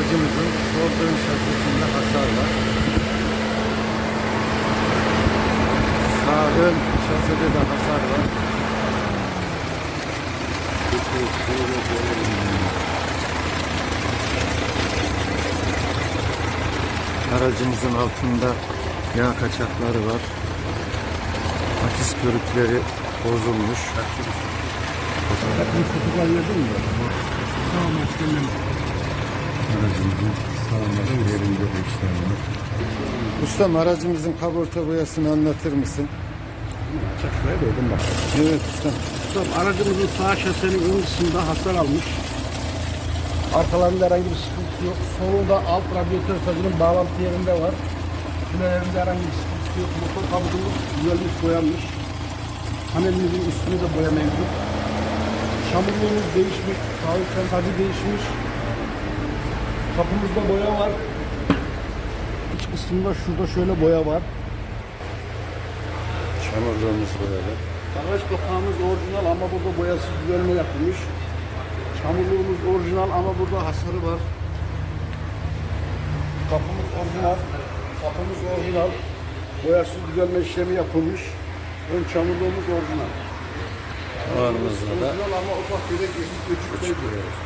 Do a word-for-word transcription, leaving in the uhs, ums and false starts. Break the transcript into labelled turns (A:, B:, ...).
A: Aracımızın sol ön şasisinde hasar var. Sağ ön şaside de hasar var. Aracımızın altında yağ kaçakları var. Akis körükleri bozulmuş. Aracımızın sağlaması yerinde bir işlem var. Ustam, aracımızın kaporta boyasını anlatır mısın?
B: Çakmaya koydum bak.
A: Evet ustam.
B: Ustam, aracımızın sağ şasenin ön kısmında hasar almış. Arkalarında herhangi bir sıkıntı yok. Solunda alt radyatör sacının bağlantı yerinde var. Tünelerinde herhangi bir sıkıntı yok. Motor kabuğumuz düzelmiş, boyanmış. Panelimizin üstünde de boya mevcut. Çamurluğumuz değişmiş, sağ üstten sacı değişmiş. Kapımızda boya var. İç kısmında şurada şöyle boya var.
A: Çamurluğumuz böyle.
B: Bagaj kapağımız orijinal ama burada boyasız düzelme yapılmış. Çamurluğumuz orijinal ama burada hasarı var. Kapımız orijinal. Kapımız orijinal. Boyasız düzelme işlemi yapılmış. Ön çamurluğumuz orijinal.
A: Ağırımızda da
B: Orijinal ama ufak bir de küçük bir